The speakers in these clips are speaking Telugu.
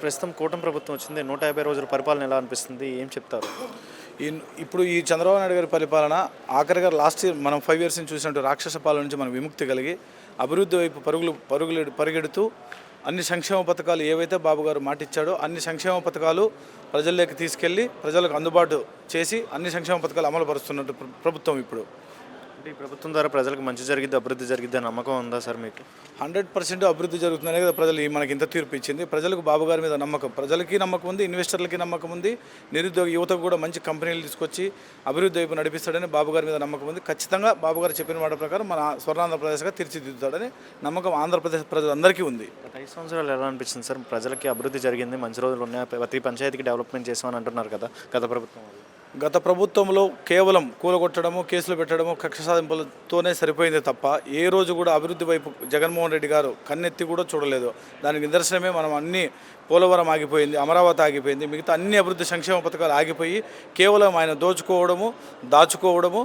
ప్రస్తుతం కూటమి ప్రభుత్వం వచ్చింది. 150 రోజుల పరిపాలన ఎలా అనిపిస్తుంది? ఏం చెప్తారు? ఇప్పుడు ఈ చంద్రబాబు నాయుడు గారి పరిపాలన ఆఖరిగా లాస్ట్ ఇయర్ మనం 5 ఇయర్స్ నుంచి చూసినట్టు రాక్షస పాలన నుంచి మనం విముక్తి కలిగి అభివృద్ధి వైపు పరిగెడుతూ అన్ని సంక్షేమ పథకాలు ఏవైతే బాబు గారు మాటిచ్చాడో అన్ని సంక్షేమ పథకాలు ప్రజల్లోకి తీసుకెళ్ళి ప్రజలకు అందుబాటు చేసి అన్ని సంక్షేమ పథకాలు అమలు పరుస్తున్నట్టు ప్రభుత్వం ఇప్పుడు. అంటే ఈ ప్రభుత్వం ద్వారా ప్రజలకు మంచి జరిగిద్ది, అభివృద్ధి జరిగిద్ది అని నమ్మకం ఉందా సార్ మీకు? 100% అభివృద్ధి జరుగుతుందనే కదా ప్రజలు మనకి ఇంత తీర్పు ఇచ్చింది. ప్రజలకు బాబు గారి మీద నమ్మకం, ప్రజలకి నమ్మకం ఉంది, ఇన్వెస్టర్లకి నమ్మకం ఉంది, నిరుద్యోగ యువతకు కూడా మంచి కంపెనీలు తీసుకొచ్చి అభివృద్ధి వైపు నడిపిస్తాడని బాబు గారి మీద నమ్మకం ఉంది. ఖచ్చితంగా బాబు గారు చెప్పిన మాట ప్రకారం మన స్వర్ణాంధ్రప్రదేశ్గా తీర్చిదిద్దుతాడని నమ్మకం ఆంధ్రప్రదేశ్ ప్రజలందరికీ ఉంది. గత 5 సంవత్సరాలు ఎలా అనిపించింది సార్? ప్రజలకి అభివృద్ధి జరిగింది, మంచి రోజులు ఉన్నాయి, ప్రతి పంచాయతీకి డెవలప్మెంట్ చేసామని అంటున్నారు కదా గత ప్రభుత్వం. గత ప్రభుత్వంలో కేవలం కూలగొట్టడము, కేసులు పెట్టడము, కక్ష సాధింపులతోనే సరిపోయింది తప్ప ఏ రోజు కూడా అభివృద్ధి వైపు జగన్మోహన్ రెడ్డి గారు కన్నెత్తి కూడా చూడలేదు. దానికి నిదర్శనమే మనం అన్ని పోలవరం ఆగిపోయింది, అమరావతి ఆగిపోయింది, మిగతా అన్ని అభివృద్ధి సంక్షేమ పథకాలు ఆగిపోయి కేవలం ఆయన దోచుకోవడము, దాచుకోవడము,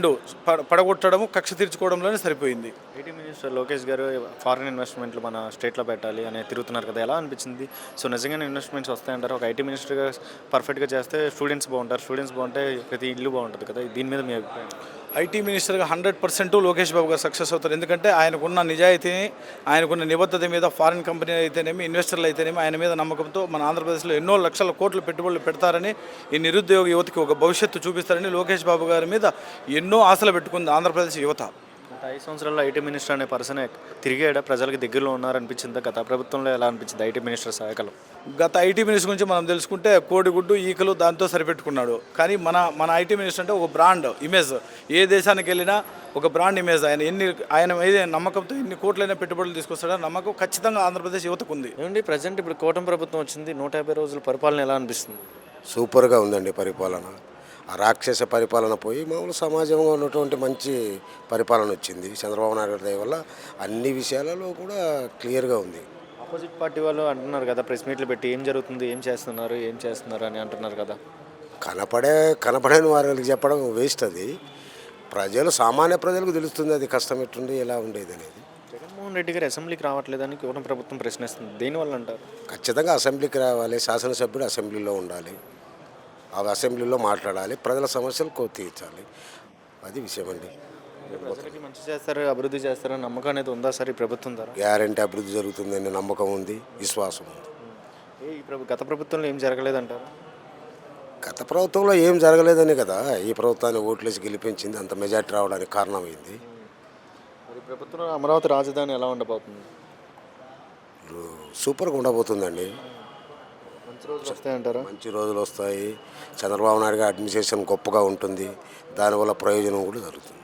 పడగొట్టడము, కక్ష తీర్చుకోవడంలోనే సరిపోయింది. ఐటీ మినిస్టర్ లోకేష్ గారు ఫారిన్ ఇన్వెస్ట్మెంట్లు మన స్టేట్లో పెట్టాలి అని తిరుగుతున్నారు కదా, ఎలా అనిపించింది? సో నిజంగానే ఇన్వెస్ట్మెంట్స్ వస్తాయంటారు? ఒక ఐటీ మినిస్టర్గా పర్ఫెక్ట్గా చేస్తే స్టూడెంట్స్ బాగుంటారు, స్టూడెంట్స్ బాగుంటే ప్రతి ఇల్లు బాగుంటుంది కదా, దీని మీద మీ అభిప్రాయం? ఐటీ మినిస్టర్గా 100% లోకేష్ బాబు గారు సక్సెస్ అవుతారు. ఎందుకంటే ఆయనకున్న నిజాయితీని, ఆయనకున్న నిబద్ధత మీద ఫారిన్ కంపెనీ అయితేనేమి, ఇన్వెస్టర్లు అయితేనేమి ఆయన మీద నమ్మకంతో మన ఆంధ్రప్రదేశ్లో ఎన్నో లక్షల కోట్ల పెట్టుబడులు పెడతారని, ఈ నిరుద్యోగ యువతకి ఒక భవిష్యత్తు చూపిస్తారని లోకేష్ బాబు గారి మీద ఎన్నో ఆశలు పెట్టుకుంది ఆంధ్రప్రదేశ్ యువత. గత 5 సంవత్సరాల్లో ఐటీ మినిస్టర్ అనే పర్సనే తిరిగాడా, ప్రజలకు దగ్గరలో ఉన్నారనిపించిందా? గత ప్రభుత్వంలో ఎలా అనిపించింది ఐటీ మినిస్టర్ శాఖలో? గత ఐటీ మినిస్టర్ గురించి మనం తెలుసుకుంటే కోడిగుడ్డు, ఈకలు దాంతో సరిపెట్టుకున్నాడు. కానీ మన ఐటీ మినిస్టర్ అంటే ఒక బ్రాండ్ ఇమేజ్, ఏ దేశానికి వెళ్ళినా ఒక బ్రాండ్ ఇమేజ్. ఆయన ఏదే నమ్మకంతో ఎన్ని కోట్లైనా పెట్టుబడులు తీసుకొస్తాడో నమ్మకం ఖచ్చితంగా ఆంధ్రప్రదేశ్ యువతకు ఉంది. ఏమండి ప్రజెంట్ ఇప్పుడు కూటమి ప్రభుత్వం వచ్చింది, 150 రోజుల పరిపాలన ఎలా అనిపిస్తుంది? సూపర్గా ఉందండి పరిపాలన. ఆ రాక్షస పరిపాలన పోయి మామూలు సమాజంగా ఉన్నటువంటి మంచి పరిపాలన వచ్చింది. చంద్రబాబు నాయుడు గారి దయ వల్ల అన్ని విషయాలలో కూడా క్లియర్గా ఉంది. ఆపోజిట్ పార్టీ వాళ్ళు అంటున్నారు కదా, ప్రెస్ మీట్లు పెట్టి ఏం జరుగుతుంది, ఏం చేస్తున్నారు అని అంటున్నారు కదా. కనపడని వారికి చెప్పడం వేస్ట్. అది సామాన్య ప్రజలకు తెలుస్తుంది అది కష్టం ఎట్టుండి ఎలా ఉండేది అనేది. జగన్మోహన్ రెడ్డి గారు అసెంబ్లీకి రావట్లేదని కూటమి ప్రభుత్వం ప్రశ్నిస్తుంది, దేనివల్ల అంటారు? ఖచ్చితంగా అసెంబ్లీకి రావాలి, శాసనసభ్యుడు అసెంబ్లీలో ఉండాలి, అవి అసెంబ్లీలో మాట్లాడాలి, ప్రజల సమస్యలు తీర్చాలి, అది విషయం అండి. ప్రజలకి మంచి చేస్తారు, అభివృద్ధి చేస్తారని నమ్మకం అనేది ఉందా సార్ ఈ ప్రభుత్వం ద్వారా? గ్యారంటీ అభివృద్ధి జరుగుతుందని నమ్మకం ఉంది, విశ్వాసం ఉంది. గత ప్రభుత్వంలో ఏం జరగలేదంటారు? గత ప్రభుత్వంలో ఏం జరగలేదని కదా ఈ ప్రభుత్వాన్ని ఓట్లేసి గెలిపించింది, అంత మెజార్టీ రావడానికి కారణమైంది. మరి ప్రభుత్వంలో అమరావతి రాజధాని ఎలా ఉండబోతుంది? సూపర్గా ఉండబోతుందండి. మంచి రోజులు వస్తాయంటారా? మంచి రోజులు వస్తాయి. చంద్రబాబు నాయుడు గారి అడ్మినిస్ట్రేషన్ గొప్పగా ఉంటుంది, దానివల్ల ప్రయోజనం కూడా జరుగుతుంది.